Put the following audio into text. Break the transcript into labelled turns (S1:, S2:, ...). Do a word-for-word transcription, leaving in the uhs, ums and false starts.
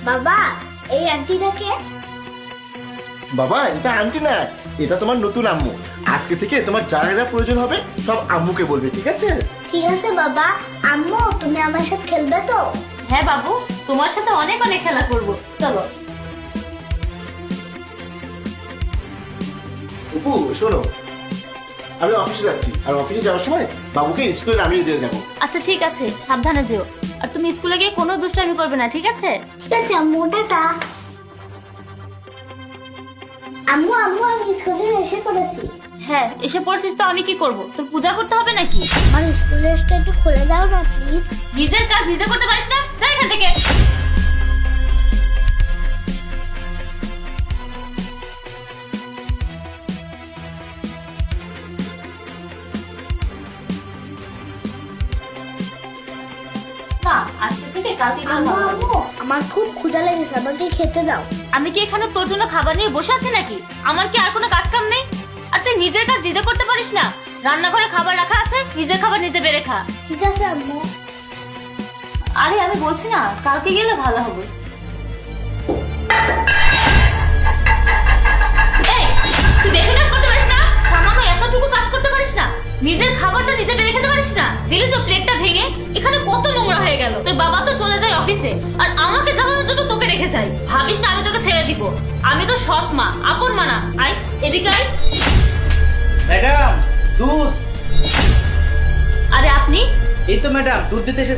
S1: বাবা এই আন্টিটাকে?
S2: বাবা এটা আন্টি না, এটা তোমার নতুন আম্মু। আজকে থেকে তোমার যা যা প্রয়োজন হবে সব আম্মুকে বলবে, ঠিক আছে?
S1: ঠিক আছে বাবা। আম্মু তুমি আমার সাথে খেলবে তো?
S3: হ্যাঁ বাবু, তোমার সাথে অনেক অনেক খেলা করব, চলো।
S2: অপু শোনো, আমি অফিসে যাচ্ছি, আর অফিসে যাওয়ার সময় বাবুকে স্কুলে নামিয়ে দিয়ে যাবো।
S3: আচ্ছা ঠিক আছে, সাবধানে যেও। আর তুমি স্কুলে গিয়ে কোনো দুষ্টামি করবে না, ঠিক আছে?
S1: ঠিক আছে আম্মু, টাটা। আম্মু আম্মু আমি স্কুল থেকে এসে পড়েছি।
S3: হ্যাঁ এসে পড়ছিস তো আমি কি করব? তোর পূজা করতে হবে নাকি?
S1: আমার স্কুলের ড্রেসটা একটু খুলে দাও না প্লিজ।
S3: নিজের কাজ নিজে করতে পারিস না, যা এখান থেকে। না, আজকে থেকে কালকে গেলে
S1: আম্মু
S3: ভালো হবে।
S1: আম্মু আমার খুব ক্ষুধা লেগেছে, আমাকে খেতে দাও।
S3: আমি কি এখানে তোর জন্য খাবার নিয়ে বসে আছি নাকি? আমার কি আর কোনো কাজ কাম নেই? আর তুই নিজের কাজ নিজে করতে পারিস না? রান্নাঘরে খাবার রাখা আছে, নিজের খাবার নিজে বেড়ে খা।
S1: ঠিক আছে আম্মু।
S3: আরে আমি বলছি না, কালকে গেলে ভালো হবে। এই, তুই বেশি কাজ করতে পারিস না? সামান্য এতটুকু কাজ করতে পারিস না? নিজের খাবারটা নিজে বেড়ে খেতে পারিস না? দিলি তো প্লেটটা ভেঙে, এখানে কত নোংরা হয়ে গেল। তোর বাবা তো চলে যায় অফিসে, আর আমাকে জ্বালানোর জন্য তোকে রেখে যায়। ভাবিস না আমি তোকে ছেড়ে দিব? আমি তো সৎ মা, আপন মা না। আয় এদিকে আয়।
S4: ম্যাডাম দুধ।
S3: আরে আপনি?
S4: এই তো ম্যাডাম দুধ দিতে এসেছি।